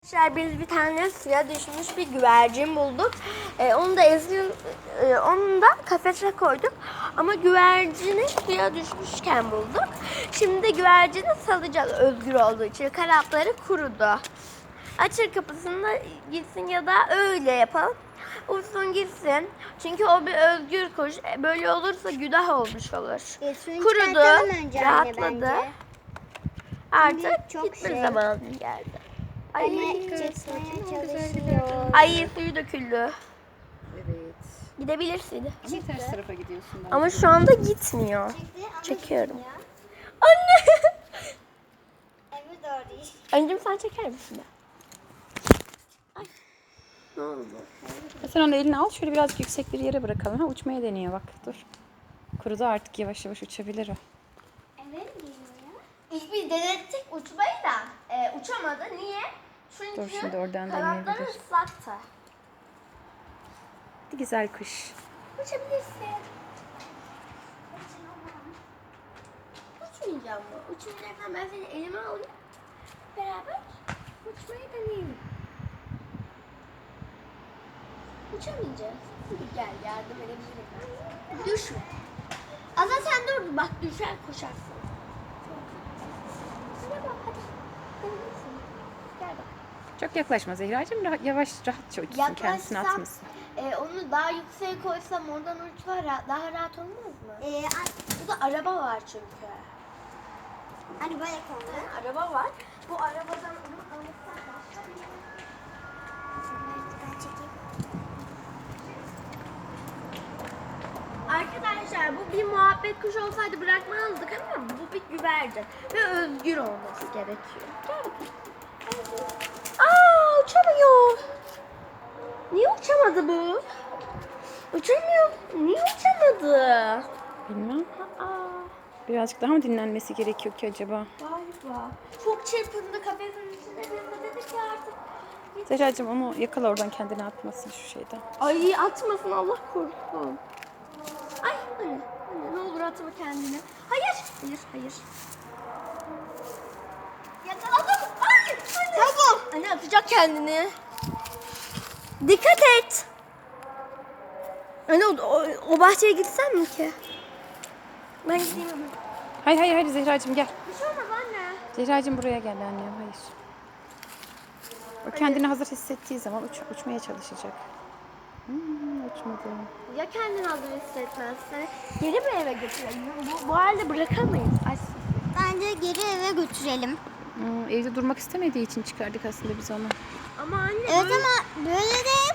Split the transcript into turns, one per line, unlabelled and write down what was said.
Biz bir tane suya düşmüş bir güvercin bulduk. Onu da kafese koyduk. Ama güvercini suya düşmüşken bulduk. Şimdi de güvercini salacağız özgür olduğu için. Kanatları kurudu. Açır kapısını da gitsin ya da öyle yapalım. Uçsun gitsin. Çünkü o bir özgür kuş. Böyle olursa günah olmuş olur. Kurudu, rahatladı. Artık
çok
gitme zamanı geldi. Ay,
çalışıyor.
ay suyu döküldü.
Evet.
Gidebilirsin.
Ama ters tarafa gidiyorsun.
Ama şu anda gitmiyor. Çekiyorum. Anne!
Evet doğru.
Anneciğim sen çeker misin be? Ay. Ne oldu?
Sen onu eline al. Şöyle birazcık yüksek bir yere bırakalım. Ha, uçmaya deniyor bak. Dur. Kurudu artık. Yavaş yavaş uçabilir o.
Evet geliyor.
İlk biz denettik uçmayı da uçamadı. Niye? Çünkü
Dur, şimdi oradan
kanatları
deneyebilir.
ıslaktı.
Güzel kuş.
Uçabilirsin. Uçmayacağım mı? Uçmayacaksan ben seni elime alayım. Beraber uçmayı deneyelim. Uçamayacağız. Gel yardım edebilirim. Düşme. Azra sen dur bak düşer koşarsın. Hadi bak hadi. Deneyebilirsin. Gel bak.
Çok yaklaşma Zehracığım. Yavaş rahatça uçsun. Kendisini
Yaklaşsam,
atmasın.
onu daha yükseğe koysam oradan uçsa daha rahat olmaz mı? Burada araba var çünkü.
Hani böyle konuyor.
Araba var. Bu arabadan onu alırsak başka bir...
Ben çekeyim.
Arkadaşlar bu bir muhabbet kuşu olsaydı bırakmazdık ama bu bir güvercin ve özgür olması gerekiyor. Gel bakalım. Aa uçamıyor. Niye uçamadı bu? Uçamıyor. Niye uçamadı?
Bilmem.
Aa.
Birazcık daha mı dinlenmesi gerekiyor ki acaba?
Galiba. Çok çırpındı kafesin içinde. Biz de dedik ki artık.
Zehracığım onu yakala oradan, kendini atmasın şu şeyden.
Ay atmasın Allah korusun. Ay anne ne olur atma kendini. Hayır. Hayır. Yakaladım. Ay anne. Tamam. Anne atacak kendini. Dikkat et. Anne o bahçeye gitsem mi ki? Ben gideyim ama.
Hayır Zehracığım gel.
Bir şey olmaz anne.
Zehracığım buraya gel annem. Hayır. O kendini hazır hissettiği zaman uçmaya çalışacak. Uçmadı.
Ya kendini hazır hissetmezse geri mi eve götürelim? Bu halde bırakamayız. Ay,
Bence geri eve götürelim.
Evde durmak istemediği için çıkardık aslında biz onu.
ama anne
Evet
böyle...
ama böyle